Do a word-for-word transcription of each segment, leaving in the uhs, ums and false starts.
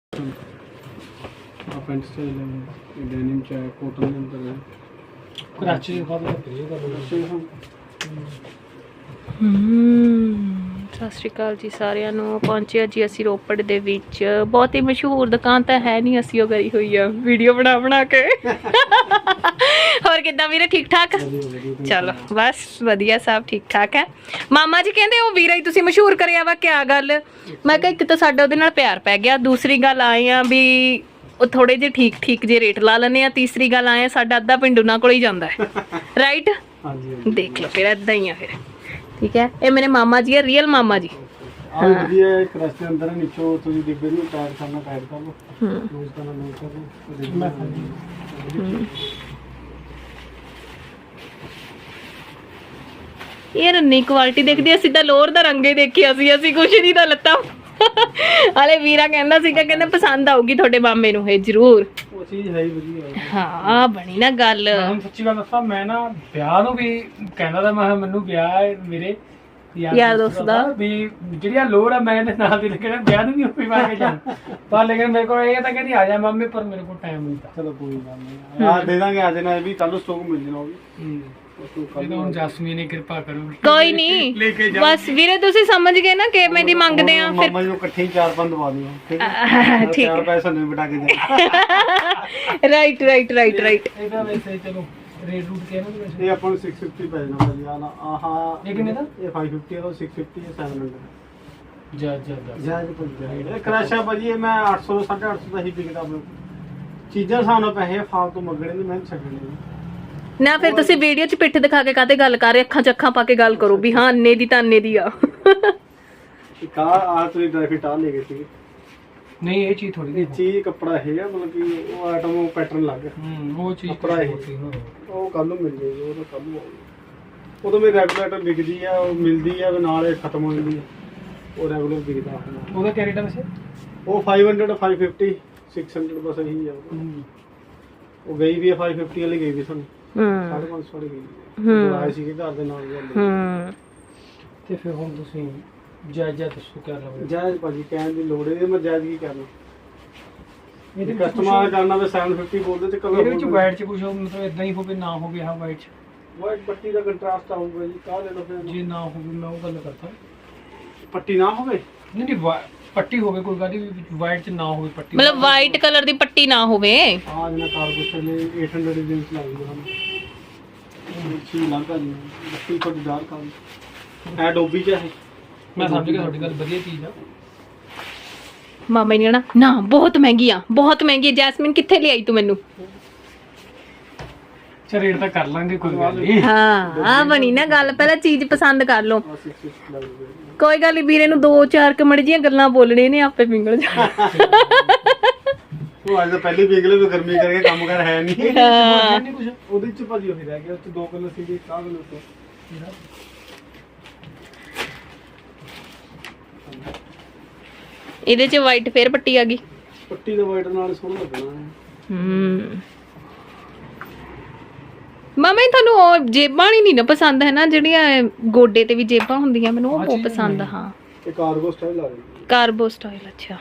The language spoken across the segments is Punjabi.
ਪੈਂਟ ਸਟਾਈਲ ਹੈ ਡੈਨਿਮ ਚ ਹੈ ਕੋਟਨ ਦੇ ਅੰਦਰ ਹੈ ਕਰਾਚੀ ਦੇ ਬਾਅਦ ਕਰੀਏ ਗੱਲ ਹਮ ਸਤਿ ਸ਼੍ਰੀ ਅਕਾਲ ਜੀ ਸਾਰਿਆਂ ਨੂੰ। ਪਹੁੰਚੇ ਜੀ ਅਸੀਂ ਰੋਪੜ ਦੇ ਵਿੱਚ। ਬਹੁਤ ਹੀ ਮਸ਼ਹੂਰ ਦੁਕਾਨ ਤਾਂ ਹੈ ਨਹੀਂ, ਅਸੀਂ ਉਹ ਕਰੀ ਹੋਈ ਆ ਵੀਡੀਓ ਬਣਾ ਬਣਾ ਕੇ। ਹੋਰ ਕਿੱਦਾਂ ਵੀਰੇ, ਠੀਕ ਠਾਕ? ਚਲੋ ਬਸ ਵਧੀਆ, ਸਭ ਠੀਕ ਠਾਕ ਹੈ। ਮਾਮਾ ਜੀ ਕਹਿੰਦੇ ਉਹ ਵੀਰਾ ਹੀ ਤੁਸੀਂ ਮਸ਼ਹੂਰ ਕਰਿਆ ਵਾ, ਕਿਆ ਗੱਲ? ਮੈਂ ਕਿਹਾ ਇੱਕ ਤਾਂ ਸਾਡਾ ਉਹਦੇ ਨਾਲ ਪਿਆਰ ਪੈ ਗਿਆ, ਦੂਸਰੀ ਗੱਲ ਆਏ ਆ ਵੀ ਉਹ ਥੋੜੇ ਜਿਹੇ ਠੀਕ ਠੀਕ ਜੇ ਰੇਟ ਲਾ ਲੈਂਦੇ ਆ, ਤੀਸਰੀ ਗੱਲ ਆਏ ਆ ਸਾਡਾ ਅੱਧਾ ਪਿੰਡ ਉਹਨਾਂ ਕੋਲ ਹੀ ਜਾਂਦਾ ਹੈ। ਰਾਈਟ? ਦੇਖ ਲਓ ਫਿਰ ਏਦਾਂ ਹੀ ਆ ਫਿਰ। ਠੀਕ ਹੈ, ਇਹ ਮੇਰੇ ਮਾਮਾ ਜੀ ਹੈ, ਰੀਅਲ ਮਾਮਾ ਜੀ। ਆ ਵਧੀਆ ਇੱਕ ਰਸਤੇ ਅੰਦਰ ਨੀਚੋਂ ਤੁਸੀਂ ਡਿੱਬੇ ਨੂੰ ਟਾਇਰ ਕਰਨਾ ਟਾਇਰ ਕਰ ਲਓ, ਲੂਜ਼ ਕਰਨਾ ਲੂਜ਼ ਕਰ ਲਓ। ਮੈਂ ਇਹ ਰੰਨੀ ਕੁਆਲਿਟੀ ਦੇਖਦੀ, ਅਸੀਂ ਤਾਂ ਲੋਅਰ ਦਾ ਰੰਗੇ ਦੇਖਿਆ ਸੀ, ਅਸੀਂ ਕੁਛ ਨਹੀਂ ਤਾਂ ਲੱਤਾਂ। ਹਾਲੇ ਵੀਰਾ ਕਹਿੰਦਾ ਸੀਗਾ, ਕਹਿੰਦਾ ਪਸੰਦ ਆਊਗੀ ਤੁਹਾਡੇ ਮਾਮੇ ਨੂੰ ਇਹ ਜ਼ਰੂਰ। ਉਹ ਚੀਜ਼ ਹੈ ਹੀ ਵਧੀਆ। ਹਾਂ ਬਣੀ ਨਾ ਗੱਲ। ਹੁਣ ਸੱਚੀ ਗੱਲ ਦੱਸਾਂ, ਮੈਂ ਨਾ ਵਿਆਹ ਨੂੰ ਵੀ ਕਹਿੰਦਾ ਤਾਂ ਮੈਂ ਮੈਨੂੰ ਵਿਆਹ ਹੈ ਮੇਰੇ ਯਾਰ ਦੋਸਤ ਦਾ ਵੀ ਜਿਹੜੀਆਂ ਲੋੜ ਆ ਮੈਂ ਇਹਦੇ ਨਾਲ ਦੀ ਲੱਗਣਾ ਵਿਆਹ ਨੂੰ ਵੀ ਉੱਪਰ ਪਾ ਕੇ ਜਾਣ। ਪਰ ਲੇਕਿਨ ਮੇਰੇ ਕੋਲ ਇਹ ਤਾਂ ਕਹਿੰਦੀ ਆ ਜਾ ਮਾਮੇ, ਪਰ ਮੇਰੇ ਕੋਲ ਟਾਈਮ ਨਹੀਂ ਤਾਂ। ਚਲੋ ਕੋਈ ਗੱਲ ਨਹੀਂ, ਆ ਦੇ ਦਾਂਗੇ ਅੱਜ ਨਾ, ਇਹ ਵੀ ਕੱਲ ਸਟਾਕ ਮਿਲ ਜਾਣਾ ਉਹ ਵੀ। ਹੁਣ ਜਸਮੀਨ ਨੇ ਕਿਰਪਾ ਕਰੋ, ਕੋਈ ਨਹੀਂ ਬਸ ਵੀਰੇ ਤੁਸੀਂ ਸਮਝ ਗਏ ਨਾ ਕਿਵੇਂ ਦੀ ਮੰਗਦੇ ਆ। ਫਿਰ ਮਾਮਾ ਜੀ ਨੂੰ ਇਕੱਠੇ ਚਾਰ ਪੰਜ ਦਵਾ ਦਿਓ, ਠੀਕ ਹੈ? ਠੀਕ ਚਾਰ ਪੈਸੇ ਨੂੰ ਬਿਟਾ ਕੇ ਦੇ। Right right right right. ਇਹਦਾ ਵੈਸੇ ਚਲੋ ਰੇਟ ਰੂਟ ਕਿਹਾ ਨਾ ਵੈਸੇ ਇਹ ਆਪਾਂ ਨੂੰ ਛੇ ਸੌ ਪਚਾਸ ਪੈ ਜਾਣਾ ਭਾਜੀ। ਆ ਆਹ ਇਹ ਕਿੰਨੇ ਦਾ? ਇਹ ਪੰਜ ਸੌ ਪਚਾਸ ਦਾ, ਛੇ ਸੌ ਪਚਾਸ ਹੈ ਸੱਤ ਸੌ। ਜਾ ਜਾ ਜਾ ਜਾਇਜ਼ ਪੁੱਛਿਆ ਇਹ ਕਰਾਸ਼ਾ ਭਾਜੀ, ਇਹ ਮੈਂ ਅੱਠ ਸੌ ਸਾਢੇ ਅੱਠ ਸੌ ਦਾ ਹੀ ਵਿਕਦਾ ਆਪਣੇ ਚੀਜ਼ਾਂ। ਸਾਨੂੰ ਪੈਸੇ ਫਾਲਤੂ ਮੰਗਣੇ ਨੇ, ਮੈਂ ਛੱਡਣੇ ਨਾ। ਫਿਰ ਤੁਸੀਂ ਵੀਡੀਓ 'ਚ ਪਿੱਠ ਦਿਖਾ ਕੇ ਕਾਹਤੇ ਗੱਲ ਕਰ ਰਹੇ? ਅੱਖਾਂ 'ਚ ਅੱਖਾਂ ਪਾ ਕੇ ਗੱਲ ਕਰੋ ਵੀ ਹਾਂ ਅੰਨੇ ਦੀ ਤਾਂ ਅੰਨੇ ਦੀ ਆ। ਇੱਕ ਆ ਤੁਸੀਂ ਡਰਾਈ ਫਿਟ ਆ ਲੈ ਗਏ ਸੀ। ਨਹੀਂ ਇਹ ਚੀਜ਼ ਥੋੜੀ ਇਹ ਚੀਜ਼ ਕੱਪੜਾ ਇਹ ਆ, ਮਤਲਬ ਕਿ ਉਹ ਆਈਟਮ ਉਹ ਪੈਟਰਨ ਲੱਗ ਗਿਆ। ਹੂੰ ਉਹ ਚੀਜ਼ ਕੱਪੜਾ ਇਹ ਉਹ ਕੱਲ ਨੂੰ ਮਿਲ ਜਾਏਗੀ, ਉਹ ਤਾਂ ਕੱਲ ਨੂੰ ਆਊਗੀ। ਉਹ ਤਾਂ ਮੇਰੀ ਰੈਗੂਲੇਟਰ ਵਿਕਦੀ ਆ, ਉਹ ਮਿਲਦੀ ਆ ਨਾਲ ਇਹ ਖਤਮ ਹੋ ਜਾਂਦੀ ਆ, ਉਹ ਰੈਗੂਲਰ ਵਿਕਦਾ। ਉਹਦਾ ਕਿਆ ਰੇਟ ਹੈ ਵੈਸੇ? ਉਹ ਪੰਜ ਸੌ, ਪੰਜ ਸੌ ਪਚਾਸ, ਛੇ ਸੌ ਬਸ ਇਹੀ ਆ। ਉਹ ਗਈ ਵੀ ਆ ਪੰਜ ਸੌ ਪਚਾਸ ਵਾਲੀ ਗਈ ਵੀ ਸਾਨੂੰ ਸਾਢੇ ਪੰਜ ਸੌ ਵਾਲੀ ਗਈ। ਹੂੰ ਆਏ ਸੀਗੇ ਘਰ ਦੇ ਨਾਲ। ਹੂੰ ਤੇ ਫਿਰ ਹੁਣ ਤੁਸੀਂ ਜਾਇਜ਼ਾ ਦੱਸੋ ਕਿਆ ਲਵੋਗੇ? ਜਾਇਜ਼ ਭਾਜੀ ਕਹਿਣ ਦੀ ਲੋੜ ਨਹੀਂ, ਮੈਂ ਜਾਇਜ਼ ਕੀ ਕਰਨਾ। ਇਹਦੇ ਕਸਟਮਰ ਕਰਨਾ ਵੀ ਸੱਤ ਸੌ ਪਚਾਸ ਬੋਲਦੇ ਤੇ ਕਲਰ ਇਹਦੇ ਵਿੱਚ ਵਾਈਟ ਚ ਕੁਝ ਮਤਲਬ ਇਦਾਂ ਹੀ ਹੋਵੇ ਨਾ ਹੋਵੇ? ਹਾਂ ਵਾਈਟ ਚ ਵਾਈਟ ਪੱਟੀ ਦਾ ਕੰਟਰਾਸਟ ਆਊਗਾ ਜੀ। ਕਾਹ ਲੈ ਲਓ ਫਿਰ ਜੇ ਨਾ ਹੋਵੇ ਮੈਂ ਉਹ ਗੱਲ ਕਰਦਾ। ਪੱਟੀ ਨਾ ਹੋਵੇ? ਨਹੀਂ ਨਹੀਂ ਪੱਟੀ ਹੋਵੇ ਕੋਈ ਗੱਲ ਨਹੀਂ, ਵਾਈਟ ਚ ਨਾ ਹੋਵੇ ਪੱਟੀ, ਮਤਲਬ ਵਾਈਟ ਕਲਰ ਦੀ ਪੱਟੀ ਨਾ ਹੋਵੇ। ਆ ਜਨਾ ਕਾਰਗੋ ਚਲੇ ਅੱਠ ਸੌ ਦੀ ਜੀਨਸ ਲਾਉਂਦੇ ਹਨ। ਅੱਛੀ ਲੱਗਦਾ ਜੀ, ਬੱਤੀ ਥੋੜੀ ਡਾਰਕ ਆ ਐ ਡੋਬੀ ਚ ਹੈ। ਮੈਂ ਸਮਝ ਗਿਆ ਤੁਹਾਡੀ ਗੱਲ, ਵਧੀਆ ਚੀਜ਼ ਆ। ਮਾਮਾ ਨੇ ਨਾ ਨਾ ਬਹੁਤ ਮਹਿੰਗੀ ਆ, ਬਹੁਤ ਮਹਿੰਗੀ ਆ। ਜੈਸਮੀਨ ਕਿੱਥੇ ਲਿਆਈ ਤੂੰ ਮੈਨੂੰ? ਚਲ ਰੇਟ ਤਾਂ ਕਰ ਲਾਂਗੇ ਕੋਈ ਗੱਲ ਨਹੀਂ। ਹਾਂ ਆ ਬਣੀ ਨਾ ਗੱਲ, ਪਹਿਲਾਂ ਚੀਜ਼ ਪਸੰਦ ਕਰ ਲਓ। ਕੋਈ ਗੱਲ ਨਹੀਂ, ਵੀਰੇ ਨੂੰ ਦੋ ਚਾਰ ਕਮੜ ਜੀਆਂ ਗੱਲਾਂ ਬੋਲਣੇ ਨੇ, ਆਪੇ ਪਿੰਗਲ ਜਾ। ਉਹ ਅੱਜ ਤਾਂ ਪਹਿਲੇ ਪਿੰਗਲੇ ਵੀ ਗਰਮੀ ਕਰਕੇ ਕੰਮ ਕਰ ਹੈ ਨਹੀਂ। ਹਾਂ ਨਹੀਂ ਕੁਝ ਉਹਦੇ ਚ ਭਾਜੀ ਉਹੀ ਰਹਿ ਗਿਆ, ਉਹ ਚ ਦੋ ਕਲਰ ਸੀਗੇ, ਕਾਹ ਕਲਰ ਤੋਂ ਇਹਦੇ 'ਚ ਵਾਈਟ ਫੇਰ ਪੱਟੀ ਆ ਗਈ। ਪੱਟੀ ਦਾ ਵਾਈਟ ਨਾਲ ਸੋਹਣਾ ਲੱਗਣਾ ਹੈ। ਹੂੰ ਮਾਮਾ ਤੁਹਾਨੂੰ ਉਹ ਜੇਬਾਂ ਨਹੀਂ ਨਾ ਪਸੰਦ ਹੈ ਨਾ, ਜਿਹੜੀਆਂ ਗੋਡੇ ਤੇ ਵੀ ਜੇਬਾਂ ਹੁੰਦੀਆਂ, ਮੈਨੂੰ ਉਹ ਬਹੁਤ ਪਸੰਦ ਆ। ਹਾਂ ਇਹ ਕਾਰਗੋ ਸਟਾਈਲ ਆ ਗਈ, ਕਾਰਬੋ ਸਟਾਈਲ। ਅੱਛਾ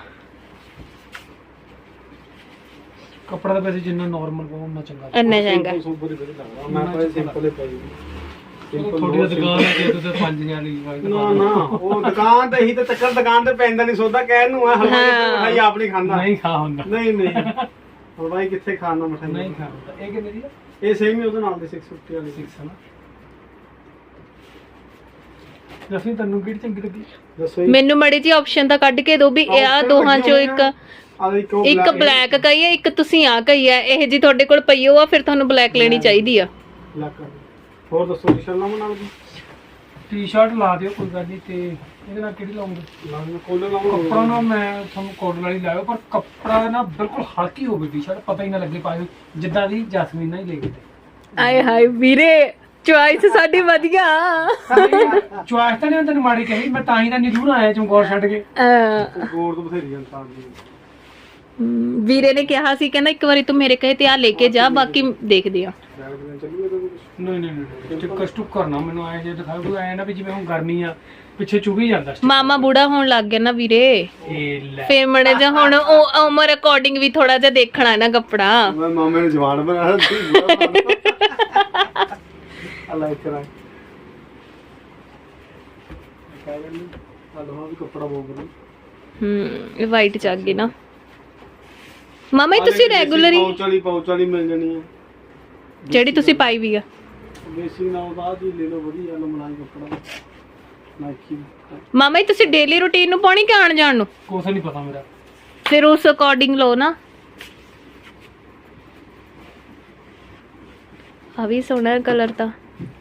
ਕੱਪੜਾ ਤਾਂ ਵੈਸੇ ਜਿੰਨਾ ਨਾਰਮਲ ਪਾਉ ਉਹਨਾਂ ਚੰਗਾ। ਇੰਨਾ ਚੰਗਾ ਸੁਪਰ ਹੀ ਵਧੀਆ ਲੱਗਦਾ। ਮੈਂ ਤਾਂ ਸਿੰਪਲ ਹੀ ਪਾਈ ਥੋੜੀ ਦੁਕਾਨ ਹੈ ਕਿ ਤੁਸੀਂ ਪੰਜ ਹਜ਼ਾਰ ਦੀ ਵਾਈਟ ਨਾ ਨਾ ਉਹ ਦੁਕਾਨ ਤੇ ਹੀ ਤੇ ਚੱਕਰ ਦੁਕਾਨ ਤੇ ਪੈਂਦਾ ਨਹੀਂ ਸੌਦਾ ਕਹਿਣ ਨੂੰ ਆ। ਹਲਵਾਈ ਆਪ ਨਹੀਂ ਖਾਂਦਾ। ਨਹੀਂ ਖਾ ਹੁੰਦਾ। ਨਹੀਂ ਨਹੀਂ ਹਲਵਾਈ ਕਿੱਥੇ ਖਾਣਾ ਮਠਾਈ ਨਹੀਂ ਖਾ ਹੁੰਦਾ। ਇਹ ਕਿੰਨੇ ਦੀ ਆ? ਇਹ ਸੇਮ ਹੀ ਉਹਦੇ ਨਾਲ ਦੇ ਛੇ ਸੌ ਪਚਾਸ ਵਾਲੀ ਛੇ ਸੌ ਨਾ। ਜਸਮੀਨ ਤੈਨੂੰ ਕਿਹੜੀ ਚੰਗੀ ਲੱਗੀ? ਦੱਸੋ ਮੈਨੂੰ ਮੜੀ ਜੀ ਆਪਸ਼ਨ ਤਾਂ ਕੱਢ ਕੇ ਦਿਓ ਵੀ ਇਹ ਆ ਦੋਹਾਂ ਚੋਂ ਇੱਕ ਇੱਕ ਬਲੈਕ ਕਹੀ ਹੈ, ਇੱਕ ਤੁਸੀਂ ਆ ਕਹੀ ਹੈ। ਇਹ ਜੀ ਤੁਹਾਡੇ ਕੋਲ ਪਈ ਹੋ ਆ, ਫਿਰ ਤੁਹਾਨੂੰ ਬਲੈਕ ਲੈਣੀ ਚਾਹੀਦੀ ਆ। ਹੋਰ ਦੱਸੋ ਟੀ-ਸ਼ਰਟ ਲਾਵਾਂ ਨਾਲ ਦੀ? ਟੀ-ਸ਼ਰਟ ਲਾ ਦਿਓ ਕੋਈ ਗੱਲ ਨਹੀਂ। ਤੇ ਇਹਦੇ ਨਾਲ ਕਿਹੜੀ ਲਾਉਂਗੇ? ਲਾਵਾਂ ਕੋਲਰ ਲਾਵਾਂ। ਕੱਪੜਾ ਨਾ ਮੈਂ ਤੁਹਾਨੂੰ ਕੋਟਨ ਵਾਲੀ ਲਾਇਓ, ਪਰ ਕੱਪੜਾ ਨਾ ਬਿਲਕੁਲ ਹਲਕੀ ਹੋਵੇ ਟੀ-ਸ਼ਰਟ, ਪਤਾ ਹੀ ਨਾ ਲੱਗੇ ਪਾਏ ਜਿੱਦਾਂ ਦੀ ਜਸਮੀਨ ਨਾਲ ਹੀ ਲੈ ਗਏ। ਆਏ ਹਾਏ ਵੀਰੇ, ਚੁਆਇਸ ਸਾਡੀ ਵਧੀਆ। ਚੁਆਇਸ ਤਾਂ ਨਹੀਂ ਤੈਨੂੰ ਮਾੜੀ ਕਹੀ, ਮੈਂ ਤਾਂ ਹੀ ਤਾਂ ਨਿਰੂਰ ਆਇਆ ਚਮਕੌਰ ਛੱਡ ਕੇ। ਗੋਰ ਤੋਂ ਬਥੇਰੀ ਇਨਸਾਨ ਦੀ। ਵੀਰੇ ਨੇ ਕਿਹਾ ਸੀ, ਕਹਿੰਦਾ ਇੱਕ ਵਾਰੀ ਤੂੰ ਮੇਰੇ ਕਹੇ ਤੇ ਆ ਲੈ ਕੇ ਜਾ, ਬਾਕੀ ਦੇਖਦੇ ਆ। ਚੱਲੀਏ ਤਾਂ ਕੁਝ ਨਹੀਂ ਨਹੀਂ ਨਹੀਂ ਸਟਿੱਕਰ ਸਟੁੱਕਰ ਨਾ ਮੈਨੂੰ ਆਏ ਜੇ ਦਿਖਾ ਕੋਈ ਐ ਨਾ ਵੀ ਜਿਵੇਂ ਹੁਣ ਗਰਮੀ ਆ ਪਿੱਛੇ ਚੁਭੀ ਜਾਂਦਾ sticker। ਮਾਮਾ ਬੂੜਾ ਹੋਣ ਲੱਗ ਗਿਆ ਨਾ ਵੀਰੇ, ਇਹ ਲੈ ਫੇਰ ਮੜੇ ਜਾ ਹੁਣ ਉਹ ਉਮਰ ਅਕੋਰਡਿੰਗ ਵੀ ਥੋੜਾ ਜਿਹਾ ਦੇਖਣਾ ਨਾ ਕੱਪੜਾ। ਮੈਂ ਮਾਮੇ ਨੂੰ ਜਵਾਨ ਬਣਾਇਆ ਸੀ ਅੱਲਾ ਕਰਾ ਕਹਿੰਦੇ ਹਲਵਾ ਵੀ ਕੱਪੜਾ ਬੋਲ ਰਹੀ ਹੂੰ ਇਹ ਵਾਈਟ ਚ ਆ ਗਈ ਨਾ ਮਾਮਾ ਇਹ ਤੁਸੀਂ ਰੈਗੂਲਰ ਹੀ ਪੌਂਚ ਵਾਲੀ ਪੌਂਚ ਵਾਲੀ ਮਿਲ ਜਾਣੀ ਆ ਜਿਹੜੀ ਤੁਸੀਂ ਪਾਈ ਵੀ ਆ ਬੇਸਿਕ ਨਾਲ ਬਾਅਦ ਹੀ ਲੈ ਲਓ ਵਧੀਆ ਲਮਲਾਈ ਕੱਪੜਾ ਨਾਈਕੀ। ਮਾਮਾ ਇਹ ਤੁਸੀਂ ਡੇਲੀ ਰੂਟੀਨ ਨੂੰ ਪਾਉਣੀ ਕਿ ਆਣ ਜਾਣ ਨੂੰ? ਕੁਛ ਨਹੀਂ ਪਤਾ ਮੇਰਾ। ਫਿਰ ਉਸ ਅਕੋਰਡਿੰਗ ਲਓ ਨਾ। ਆ ਵੀ ਸੋਹਣਾ ਕਲਰ ਤਾਂ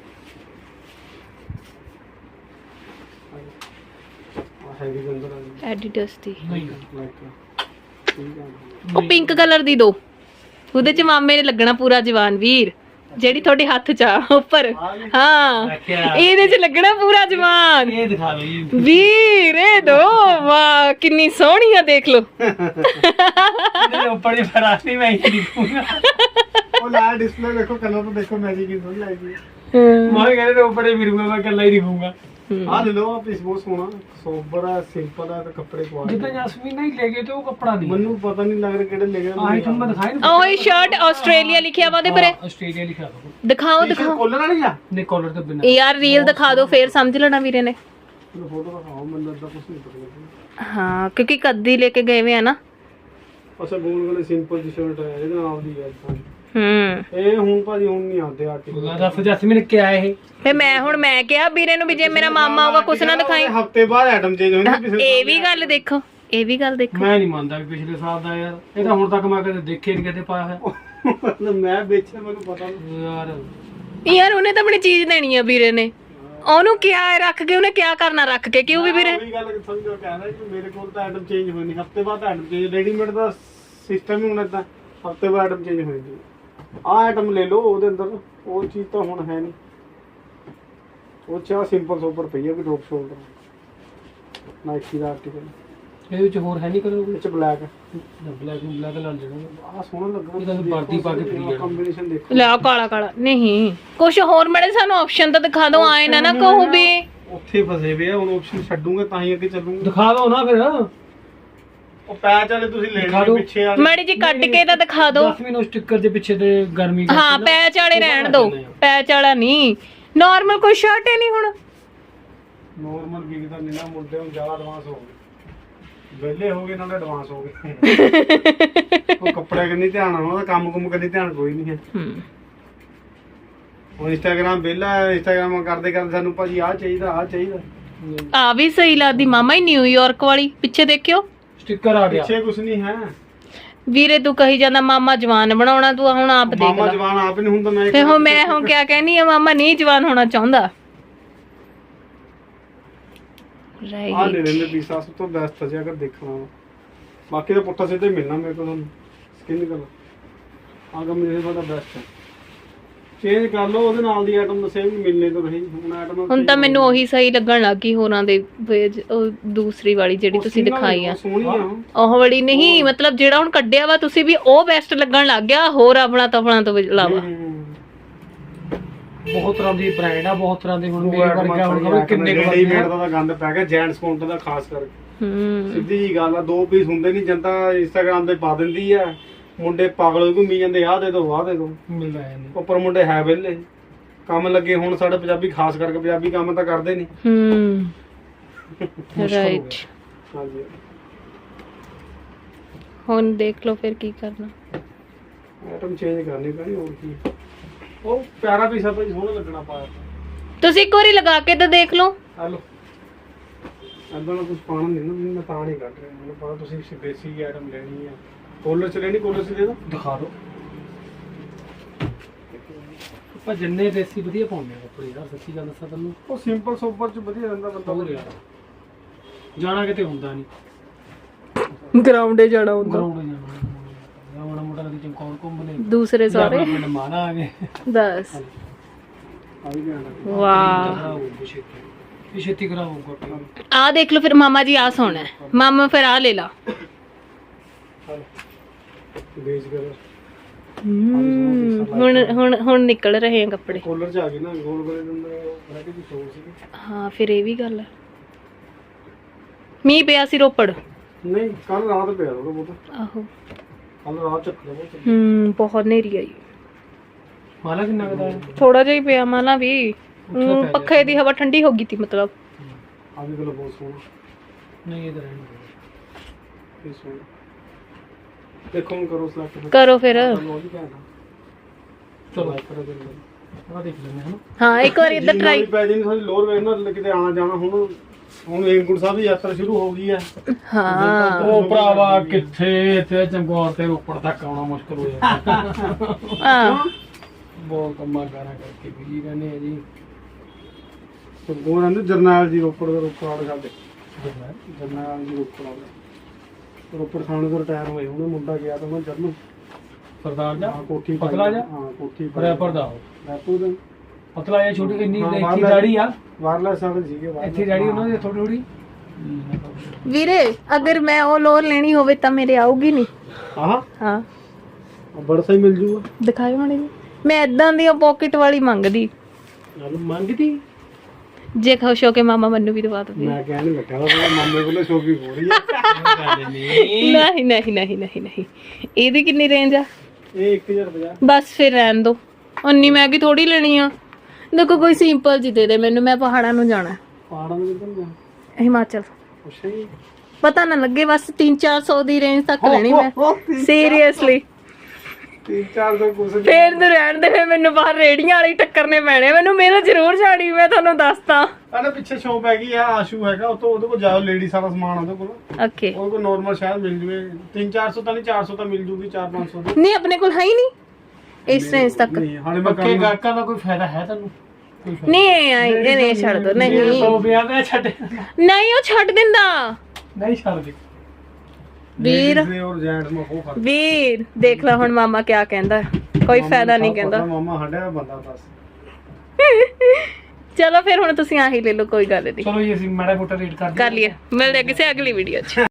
ਹੈਵੀ ਗੰਦਰ ਆ ਐਡੀਡਸ ਦੀ ਨਹੀਂ ਲਾਈਕ ਠੀਕ ਆ ਉਹ ਪਿੰਕ ਕਲਰ ਦੀ ਦੋ, ਉਹਦੇ ਚ ਮਾਮੇ ਨੇ ਲੱਗਣਾ ਪੂਰਾ ਜਵਾਨ ਵੀਰ, ਜਿਹੜੀ ਤੁਹਾਡੇ ਹੱਥ ਚ ਆ ਉੱਪਰ। ਹਾਂ ਇਹਦੇ ਚ ਲੱਗਣਾ ਪੂਰਾ ਜਵਾਨ। ਇਹ ਦਿਖਾ ਲਓ ਜੀ ਵੀਰ ਇਹ ਦੋ ਵਾਹ ਕਿੰਨੀ ਸੋਹਣੀ ਆ ਦੇਖ ਲਓ। ਇਹਦੇ ਉੱਪਰ ਹੀ ਫਰਾਸੀ ਮੈਂ ਹੀ ਦਿਖੂਗਾ। ਉਹ ਲਾ ਡਿਸਪਲੇ ਦੇਖੋ ਕਲਰ ਤਾਂ ਦੇਖੋ ਮੈਜਿਕ ਹੀ ਸੋਹਣੀ ਲੱਗਦੀ ਹੈ। ਮੈਂ ਕਹਿੰਦਾ ਉੱਪਰ ਹੀ ਫਿਰੂਗਾ ਮੈਂ ਇਕੱਲਾ ਹੀ ਦਿਖੂਗਾ। ਆ ਲੈ ਲਓ ਆ ਪੀਸ ਬਹੁਤ ਸੋਹਣਾ ਸੋਬਰ ਆ ਸਿੰਪਲ ਆ ਤੇ ਕੱਪੜੇ ਪਵਾ ਜਿੱਦਾਂ ਜਸਮੀਨ ਨਹੀਂ ਲੈ ਗਏ ਤੇ ਉਹ ਕੱਪੜਾ ਨਹੀਂ ਮੈਨੂੰ ਪਤਾ ਨਹੀਂ ਲੱਗ ਰਿਹਾ ਕਿਹੜੇ ਲੈ ਗਏ ਆਹੀ ਤੁਹਾਨੂੰ ਮੈਂ ਦਿਖਾਈ ਨਾ ਉਹ ਸ਼ਰਟ ਆਸਟ੍ਰੇਲੀਆ ਲਿਖਿਆ ਵਾ ਉਹਦੇ ਪਰੇ। ਆਸਟ੍ਰੇਲੀਆ ਲਿਖਿਆ ਦੋ ਦਿਖਾਓ ਦਿਖਾਓ ਕੋਲਰ ਵਾਲੀ ਆ ਨੇ ਕਾਲਰ ਤੋਂ ਬਿਨਾਂ ਯਾਰ ਰੀਲ ਦਿਖਾ ਦਿਓ ਫੇਰ ਸਮਝ ਲੈਣਾ ਵੀਰੇ ਨੇ। ਮੈਨੂੰ ਫੋਟੋ ਦਿਖਾਓ ਮੈਨੂੰ ਲੱਗਾ ਕੁਝ ਨਹੀਂ ਪਤਾ ਲੱਗਦਾ। ਹਾਂ ਕਿਉਂਕਿ ਕੱਦੀ ਲੈ ਕੇ ਗਏ ਵੇ ਆ ਨਾ। ਅੱਛਾ ਗੋਲ ਵਾਲੇ ਸਿੰਪਲ ਜੀ ਸ਼ਰਟ ਹੈ ਇਹਦੇ ਨਾਲ ਦੀ ਹੈ। ਹੂੰ ਇਹ ਹੁਣ ਭਾਜੀ ਹੁਣ ਨਹੀਂ ਆਉਂਦੇ ਆਰਟੀਕਲ। ਦੱਸ ਜਸਮੀਨ ਕਿਆ ਇਹ ਫੇ ਮੈਂ ਹੁਣ ਮੈਂ ਕਿਹਾ ਵੀਰੇ ਨੂੰ ਵੀ ਜੇ ਮੇਰਾ ਮਾਮਾ ਆਊਗਾ ਕੁਛ ਨਾ ਦਿਖਾਈ। ਹਫਤੇ ਬਾਅਦ ਆਈਟਮ ਚੇਂਜ ਹੁੰਦੀ ਪਿਛਲੇ ਇਹ ਵੀ ਗੱਲ ਦੇਖੋ ਇਹ ਵੀ ਗੱਲ ਦੇਖੋ। ਮੈਂ ਨਹੀਂ ਮੰਨਦਾ ਵੀ ਪਿਛਲੇ ਸਾਲ ਦਾ ਯਾਰ ਇਹ ਤਾਂ ਹੁਣ ਤੱਕ ਮੈਂ ਕਦੇ ਦੇਖੇ ਨਹੀਂ ਕਿਤੇ ਪਾਇਆ ਹੈ ਮੈਂ ਵੇਚਿਆ ਮੈਨੂੰ ਪਤਾ ਨਹੀਂ ਯਾਰ। ਯਾਰ ਉਹਨੇ ਤਾਂ ਆਪਣੀ ਚੀਜ਼ ਦੇਣੀ ਆ ਵੀਰੇ ਨੇ, ਉਹਨੂੰ ਕਿਆ ਰੱਖ ਕੇ ਉਹਨੇ ਕਿਆ ਕਰਨਾ ਰੱਖ ਕੇ ਕਿਉਂ ਵੀ ਵੀਰੇ। ਉਹੀ ਗੱਲ ਸਮਝੋ ਕਹਿੰਦਾ ਕਿ ਮੇਰੇ ਕੋਲ ਤਾਂ ਆਈਟਮ ਚੇਂਜ ਹੋਈ ਨਹੀਂ ਹਫਤੇ ਬਾਅਦ ਆਈਟਮ ਚੇਂਜ ਰੈਡੀਮੇਡ ਦਾ ਸਿਸਟਮ ਹੀ ਹੁਣ ਇਦਾਂ ਹਫਤੇ ਬਾਅਦ ਆਈਟਮ ਚੇਂਜ ਹੋਈ ਜੀ। ਆਹ ਆਈਟਮ ਲੈ ਲਓ ਉਹਦੇ ਅੰਦਰ ਉਹ ਚੀਜ਼ ਤਾਂ ਹੁਣ ਹੈ ਨਹੀਂ। ਉਹ ਚਾਹ ਸਿੰਪਲ ਸੋਪਰ ਪਈ ਹੈ ਵੀ ਡ੍ਰੌਪ ਸ਼ੋਲਡਰ ਨਾਈਕੀ ਦਾ ਆਰਟੀਕਲ ਇਹਦੇ ਵਿੱਚ ਹੋਰ ਹੈ ਨਹੀਂ ਕਲਰ ਵਿੱਚ ਬਲੈਕ ਬਲੈਕ ਨੂੰ ਬਲੈਕ ਨਾਲ ਜਿਹੜਾ ਆਹ ਸੋਹਣਾ ਲੱਗਾ ਇਹਦਾ ਵਰਦੀ ਪਾ ਕੇ ਫਰੀ ਜਾਣਾ। ਕੰਬੀਨੇਸ਼ਨ ਦੇਖੋ ਲੈ ਆਹ ਕਾਲਾ ਕਾਲਾ ਨਹੀਂ ਕੁਛ ਹੋਰ ਮੜੇ ਸਾਨੂੰ ਆਪਸ਼ਨ ਤਾਂ ਦਿਖਾ ਦਿਓ ਆਏ ਨਾ ਨਾ ਕਹੋ ਵੀ ਉੱਥੇ ਫਸੇ ਵੇ ਆ ਹੁਣ ਆਪਸ਼ਨ ਛੱਡੂਗਾ ਤਾਂ ਹੀ ਅੱਗੇ ਚੱਲੂਗਾ। ਦਿਖਾ ਦਿਓ ਨਾ ਫਿਰ ਉਹ ਪੈਚ ਵਾਲੇ ਤੁਸੀਂ ਲੈ ਦਿਖਾ ਲਓ ਦਿਓ। ਪਿੱਛੇ ਵਾਲੇ ਮੜੀ ਜੀ ਕੱਟ ਕੇ ਤਾਂ ਦਿਖਾ ਦਿਓ। ਜਸਮੀਨ ਉਹ ਸਟicker ਦੇ ਪਿੱਛੇ ਤੇ ਗਰਮੀ ਕਰਕੇ ਹਾਂ ਨਾ ਪੈਚ ਵਾਲੇ ਉਹ ਰਹਿਣ ਬਣਾ ਦਿਓ, ਦਿੰਦੇ ਆ। ਪੈਚ ਵਾਲਾ ਨਹੀਂ ਨਾਰਮਲ ਕੋਈ ਸ਼ਰਟ ਹੀ ਨਹੀਂ ਹੁਣ। ਨੋਰਮਲ ਵਿਕਦਾ ਨਹੀਂ ਨਾ ਮੁੰਡੇ ਹੁਣ ਜ਼ਿਆਦਾ ਐਡਵਾਂਸ ਹੋ ਗਏ ਵਿਹਲੇ ਹੋ ਗਏ ਨਾਲੇ ਐਡਵਾਂਸ ਹੋ ਗਏ। ਉਹ ਕੱਪੜੇ ਕੰਨੀ ਧਿਆਨ ਆ ਉਹਦਾ ਕੰਮ ਕੁਮ ਕੰਨੀ ਧਿਆਨ ਕੋਈ ਨਹੀਂ ਹੈ। ਹੂੰ ਹੁਣ ਇੰਸਟਾਗ੍ਰਾਮ ਵਿਹਲਾ ਇੰਸਟਾਗ੍ਰਾਮ ਕਰਦੇ ਕਰਦੇ ਸਾਨੂੰ ਭਾਜੀ ਆਹ ਚਾਹੀਦਾ ਆਹ ਚਾਹੀਦਾ ਆ ਵੀ ਸਹੀ ਲੱਗਦੀ ਮਾਮਾ ਹੀ ਨਿਊਯਾਰਕ ਵਾਲੀ ਪਿੱਛੇ ਦੇਖਿਓ ਸਟicker ਆ ਗਿਆ। ਪਿੱਛੇ ਕੁਝ ਨਹੀਂ ਹੈ। ਵੀਰੇ ਤੂੰ ਕਹੀ ਜਾਂਦਾ ਮਾਮਾ ਜਵਾਨ ਬਣਾਉਣਾ ਤੂੰ ਹੁਣ ਆਪ ਦੇਖ ਮਾਮਾ ਲੈ। ਜਵਾਨ ਆਪ ਨਹੀਂ ਹੁੰਦਾ ਮੈਂ ਫੇ ਹੁਣ ਮੈਂ ਹੁਣ ਕਿਆ ਕਹਿਨੀ ਆ ਮਾਮਾ ਨਹੀਂ ਜਵਾਨ ਹੋਣਾ ਚਾਹੁੰਦਾ। ਆਹ ਲੈ ਰਾਈਟ ਲੈਂਦੇ ਪੀਸਾ ਸਭ ਤੋਂ ਬੈਸਟ ਹੈ ਜੇ ਅਗਰ ਦੇਖਣਾ ਵਾ। ਬਾਕੀ ਤਾਂ ਪੁੱਠਾ ਸਿੱਧਾ ਹੀ ਮਿਲਣਾ ਮੇਰੇ ਕੋਲ ਤੁਹਾਨੂੰ ਸਕਿਨ ਕਲਰ ਆਹ ਕੰਮ ਮੇਰੇ ਤੁਹਾਡਾ ਬੈਸਟ ਹੈ। ਚੇਂਜ ਕਰ ਲਓ ਉਹਦੇ ਨਾਲ ਦੀ ਆਈਟਮ ਦੱਸਿਆ ਵੀ ਮਿਲਨੇ ਤੋਂ ਰਹੀ ਹੁਣ ਆਈਟਮ ਹੁਣ ਤਾਂ ਮੈਨੂੰ ਉਹੀ ਸਹੀ ਲੱਗਣ ਲੱਗ ਗਈ ਹੋਰਾਂ ਦੇ ਵੇਜ- ਉਹ ਦੂਸਰੀ ਵਾਲੀ ਜਿਹੜੀ ਤੁਸੀਂ ਦਿਖਾਈ ਆ ਸੋਹਣੀ ਆ ਉਹ ਵਾਲੀ ਨਹੀਂ ਮਤਲਬ ਜਿਹੜਾ ਹੁਣ ਕੱਢਿਆ ਵਾ ਤੁਸੀਂ ਵੀ ਉਹ ਬੈਸਟ ਲੱਗਣ ਲੱਗ ਗਿਆ ਹੋਰ ਆਪਣਾ ਤਫਣਾ ਤੋਂ ਇਲਾਵਾ। ਬਹੁਤ ਤਰ੍ਹਾਂ ਦੀ ਬ੍ਰਾਂਡ ਆ ਬਹੁਤ ਤਰ੍ਹਾਂ ਦੇ ਹੁਣ ਮੇਰੇ ਵਰਗਾ ਹੁਣ ਖਬਰ ਕਿੰਨੇ ਕੁ ਰੈਡੀਮੇਡ ਦਾ ਤਾਂ ਗੰਦ ਪੈ ਗਿਆ ਜੈਂਟਸ ਕਾਊਂਟਰ ਦਾ ਖਾਸ ਕਰਕੇ ਹੂੰ ਸਿੱਧੀ ਜੀ ਗੱਲ ਆ ਦੋ ਪੀਸ ਹੁੰਦੇ ਨਹੀਂ ਜਨਤਾ ਇੰਸਟਾਗ੍ਰਾਮ ਤੇ ਪਾ ਦਿੰਦੀ ਆ ਮੁੰਡੇ ਪਾਗਲ ਘੁੰਮੀ ਜਾਂਦੇ ਆਹ ਦੇ ਦੋ ਆਹ ਦੇ ਦੋ ਮਿਲਦਾ ਹੈ ਨਹੀਂ। ਉੱਪਰ ਮੁੰਡੇ ਹੈ ਵਿਹਲੇ ਕੰਮ ਲੱਗੇ ਹੁਣ ਸਾਡੇ ਪੰਜਾਬੀ ਖਾਸ ਕਰਕੇ ਪੰਜਾਬੀ ਕੰਮ ਤਾਂ ਕਰਦੇ ਨਹੀਂ। ਹੂੰ ਰਾਈਟ ਹਾਂਜੀ ਹੁਣ ਦੇਖ ਲਓ ਫਿਰ ਕੀ ਕਰਨਾ। ਆਈਟਮ ਚੇਂਜ ਕਰਨੀ ਪੈਣੀ ਹੋਰ ਕੀ ਉਹ ਪਿਆਰਾ ਪੀਸਾ ਭਾਈ ਸੋਹਣਾ ਲੱਗਣਾ ਪਾਇਆ ਤੁਸੀਂ ਇੱਕ ਵਾਰੀ ਲਗਾ ਕੇ ਤਾਂ ਦੇਖ ਲਓ। ਹਲੋ ਅੱਦਾਂ ਦਾ ਕੁਝ ਪਾਣਾ ਨਹੀਂ ਨਾ ਮੈਂ ਤਾਂ ਨਹੀਂ ਕੱਢ ਰਿਹਾ ਮੈਨੂੰ ਪਤਾ ਤੁਸੀਂ ਬੇਸਿਕ ਆਈਟਮ ਲੈਣੀ ਆ ਕੋਲਰ ਚ ਲੈਣੀ ਕੋਲਰ ਚ ਦੇ ਦੋ ਦਿਖਾ ਦਿਓ। ਆਪਾਂ ਜਿੰਨੇ ਦੇਸੀ ਵਧੀਆ ਪਾਉਂਦੇ ਆ ਕੱਪੜੇ ਯਾਰ ਸੱਚੀ ਗੱਲ ਦੱਸਾਂ ਤੈਨੂੰ ਉਹ ਸਿੰਪਲ ਸੋਬਰ ਚ ਵਧੀਆ ਰਹਿੰਦਾ ਬੰਦਾ ਹੋਰ ਯਾਰ ਜਾਣਾ ਕਿਤੇ ਹੁੰਦਾ ਨਹੀਂ ਗਰਾਊਂਡੇ ਜਾਣਾ ਹੁੰਦਾ ਗਰਾਊਂਡ ਜਾਣਾ ਮਾੜਾ ਮੋਟਾ ਕਦੀ ਚਮਕੌਰ ਘੁੰਮ ਲੈ ਦੂਸਰੇ ਸਾਰੇ ਪਿੰਡ ਮਾਨਾ ਆ ਗਏ ਬਸ ਆ ਵੀ ਲੈਣਾ ਵਾਹ ਇਹ ਛੇਤੀ ਕਰਾਓ ਕੋਟੇ ਆ ਦੇਖ ਲਓ ਫਿਰ ਮਾਮਾ ਜੀ ਆ ਸੋਣਾ ਮਾਮਾ ਫਿਰ ਆ ਲੈ ਲਾ। ਬੇਸ ਕਰ ਹਮ, ਹੁਣ ਹੁਣ ਹੁਣ ਨਿਕਲ ਰਹੇ ਆ ਕੱਪੜੇ। ਕੋਲਰ ਚ ਆ ਗਈ ਨਾ ਗੋਲ ਗੋਲੇ ਦੇ ਅੰਦਰ ਵੈਰਾਈਟੀ ਦੀ ਸ਼ੋਅ ਸੀ। ਹਾਂ ਫਿਰ ਇਹ ਵੀ ਗੱਲ ਹੈ। ਮੀਂਹ ਪਿਆ ਸੀ ਰੋਪੜ? ਨਹੀਂ ਕੱਲ ਰਾਤ ਪਿਆ ਉਹ ਬਹੁਤ। ਆਹੋ ਕੱਲ ਰਾਤ ਚੱਕ ਲਿਆ ਬਹੁਤ। ਹੂੰ ਬਹੁਤ ਹਨੇਰੀ ਆਈ। ਮਾਲਾ ਕਿੰਨਾ ਕਦਾ ਥੋੜਾ ਜਿਹਾ ਹੀ ਪਿਆ ਮਾਲਾ ਵੀ। ਊਂ ਪੱਖੇ ਦੀ ਹਵਾ ਠੰਡੀ ਹੋ ਗਈ ਤੀ ਮਤਲਬ। ਆ ਵੀ ਕੋਲ ਬਹੁਤ ਸੋਹਣਾ। ਨਹੀਂ ਇਹ ਤਾਂ ਰਹਿਣ ਇਹ ਸੋਹਣਾ ਦੇਖੋ ਹੁਣ ਕਰੋ ਸਿਲੈਕਟ ਕਰੋ ਫਿਰ। ਚਲੋ ਜੀ ਭੈਣ ਚਲੋ ਕਰੋ ਜਲਦੀ। ਆ ਦੇਖ ਲੈਂਦੇ ਹਾਂ ਹਾਂ ਇੱਕ ਵਾਰ ਇੱਧਰ ਟਰਾਈ। ਪੈ ਜੀ ਸਾਡੀ ਲੋਰ ਵੇਖ ਨਾ ਕਿਤੇ ਆਣਾ ਜਾਣਾ। ਹੁਣ ਹੁਣ ਹੇਮਕੁੰਟ ਸਾਹਿਬ ਦੀ ਯਾਤਰਾ ਸ਼ੁਰੂ ਹੋ ਗਈ ਹੈ। ਹਾਂ ਉਹ ਭਰਾਵਾ ਕਿੱਥੇ ਇੱਥੇ ਚਮਕੌਰ ਤੇ ਰੋਪੜ ਤੱਕ ਆਉਣਾ ਮੁਸ਼ਕਲ ਹੋ ਜਾਂਦਾ। ਹਾਂ ਬਹੁਤ ਕੰਮਾਂ ਕਾਰਾਂ ਕਰਕੇ ਵੀ ਰਹਿੰਦੇ ਆ ਜੀ। ਉਹ ਰਹਿੰਦੇ ਜਰਨੈਲ ਜੀ ਰੋਪੜ ਦਾ ਰੋਪੜ ਵਾਲੇ ਸਾਡੇ ਜਰਨੈਲ ਜੀ ਰੋਪੜ ਵਾਲੇ ਰੋਪੜ ਥਾਣੇ ਤੋਂ ਰਿਟਾਇਰ ਹੋਏ। ਉਹਨੇ ਮੁੰਡਾ ਗਿਆ ਤਾਂ ਮੈਂ ਜਰਨਲ ਸਰਦਾਰ ਜਾ ਹਾਂ ਕੋਠੀ ਪਤਲਾ ਜਾ ਹਾਂ ਕੋਠੀ ਰੈਪਰ ਦਾ ਰੈਪਰ ਦਾ ਪਤਲਾ ਜਾਂ ਛੋਟੀ ਇੰਨੀ ਹਾਂ, ਇੱਥੇ ਬਾਹਰਲਾ- ਦਾੜੀ ਆ ਵਾਇਰਲੈਸ ਵਾਲੇ ਸੀਗੇ ਇੱਥੇ ਦਾੜੀ ਉਹਨਾਂ ਦੀ ਥੋੜੀ ਥੋੜੀ ਵੀਰੇ ਅਗਰ ਮੈਂ ਉਹ ਲੋਰ ਲੈਣੀ ਹੋਵੇ ਤਾਂ ਮੇਰੇ ਆਊਗੀ ਨਹੀਂ? ਆਹ ਹਾਂ ਬੜਾ ਸਹੀ ਮਿਲ ਜੂਗਾ। ਦਿਖਾਇਓ ਮਾੜੀ ਜਿਹੀ। ਮੈਂ ਇਦਾਂ ਦੀ ਪਾਕਟ ਵਾਲੀ ਮੰਗਦੀ ਨਾਲ ਮੰਗਦੀ ਜੇ ਖੁਸ਼ ਹੋ ਕੇ ਮਾਮਾ ਮੈਨੂੰ ਵੀ ਦਵਾ ਦੋ। ਮੈਂ ਕਹਿਣ ਨਹੀਂ ਲੱਗਾ ਉਹ ਮਾਮੇ ਕੋਲੇ ਸ਼ੋਪਿੰਗ ਹੋ ਰਹੀ ਹੈ। ਨਹੀਂ ਨਹੀਂ ਨਹੀਂ ਨਹੀਂ ਨਹੀਂ ਇਹਦੀ ਕਿੰਨੀ ਰੇਂਜ ਆ? ਇਹ ਇੱਕ ਹਜ਼ਾਰ ਪੰਜਾਹ। ਬਸ ਫਿਰ ਰਹਿਣ ਦੋ। ਉਨੀ ਮਹਿੰਗੀ ਥੋੜੀ ਲੈਣੀ ਆ। ਦੇਖੋ ਕੋਈ ਸਿੰਪਲ ਜੀ ਦੇ ਦੇ ਮੈਨੂੰ। ਮੈਂ ਪਹਾੜਾਂ ਨੂੰ ਜਾਣਾ। ਪਹਾੜਾਂ ਦੇ ਕਿੱਧਰ ਜਾ ਹਿਮਾਚਲ। ਅੱਛਾ ਜੀ ਪਤਾ ਨਾ ਲੱਗੇ ਬਸ ਤਿੰਨ ਚਾਰ ਸੌ ਦੀ ਰੇਂਜ ਤੱਕ ਲੈਣੀ ਮੈਂ ਸੀਰੀਅਸਲੀ। ਤਿੰਨ ਚਾਰ ਸੌ ਕੁਛ ਫੇਰ ਤੇ ਰਹਿਣ ਦੇ। ਫੇਰ ਮੈਨੂੰ ਬਾਹਰ ਰੇੜੀਆਂ ਵਾਲੀ ਟੱਕਰਨੇ ਪੈਣੇ। ਮੈਨੂੰ ਮੇਰਾ ਜ਼ਰੂਰ ਛਾੜੀ। ਮੈਂ ਤੁਹਾਨੂੰ ਦੱਸਦਾ। ਆਲੇ ਪਿੱਛੇ ਸ਼ੋਪ ਹੈਗੀ ਆ ਆਸ਼ੂ ਹੈਗਾ। ਉਹ ਤੋਂ ਉਹਦੇ ਕੋਲ ਜਾਓ ਲੇਡੀ ਸਾਰਾ ਸਮਾਨ ਉਹਦੇ ਕੋਲ। ਓਕੇ ਉਹਦੇ ਕੋਲ ਨਾਰਮਲ ਸ਼ਾਇਦ ਮਿਲ ਜੂਵੇ ਤਿੰਨ ਚਾਰ ਸੌ ਤਾਂ ਨਹੀਂ ਚਾਰ ਸੌ ਤਾਂ ਮਿਲ ਜੂਗੀ ਚਾਰ ਪੰਜ ਸੌ ਦੀ। ਨਹੀਂ ਆਪਣੇ ਕੋਲ ਹੈ ਹੀ ਨਹੀਂ ਇਸ ਰੇਂਜ ਤੱਕ। ਨਹੀਂ ਹਾਲੇ ਮੈਂ ਪੱਕੇ ਕੰਮ ਗਾਹਕਾਂ ਦਾ ਕੋਈ ਫਾਇਦਾ ਹੈ ਤੁਹਾਨੂੰ? ਨਹੀਂ ਆਈ ਇਹ ਨਹੀਂ ਛੱਡ ਦੋ। ਨਹੀਂ ਸੌ ਵਿਆਹ ਦਾ ਛੱਡ ਨਹੀਂ ਉਹ ਛੱਡ ਦਿੰਦਾ ਨਹੀਂ ਛੱਡ ਦੇ ਵੀਰ। ਦੇ ਔਰ ਜੈਂਟਸ ਮਾ ਉਹ ਫਰਕ। ਵੀਰ ਦੇਖ ਲੈ ਹੁਣ ਮਾਮਾ ਕਿਆ ਕਹਿੰਦਾ। ਕੋਈ ਫਾਇਦਾ ਨਹੀਂ ਕਹਿੰਦਾ। ਮਾਮਾ ਹੱਡਿਆ ਬੰਦਾ ਬਸ। ਚਲੋ ਫਿਰ ਹੁਣ ਤੁਸੀਂ ਆਹੀ ਲੈ ਲਓ ਕੋਈ ਗੱਲ ਨਹੀਂ। ਚਲੋ ਜੀ ਅਸੀਂ ਮਾੜਾ ਮੋਟਾ ਰੇਟ ਕਰ ਕਰ ਲਈਏ। ਮਿਲਦੇ ਹਾਂ ਕਿਸੇ ਅਗਲੀ ਵੀਡੀਓ 'ਚ।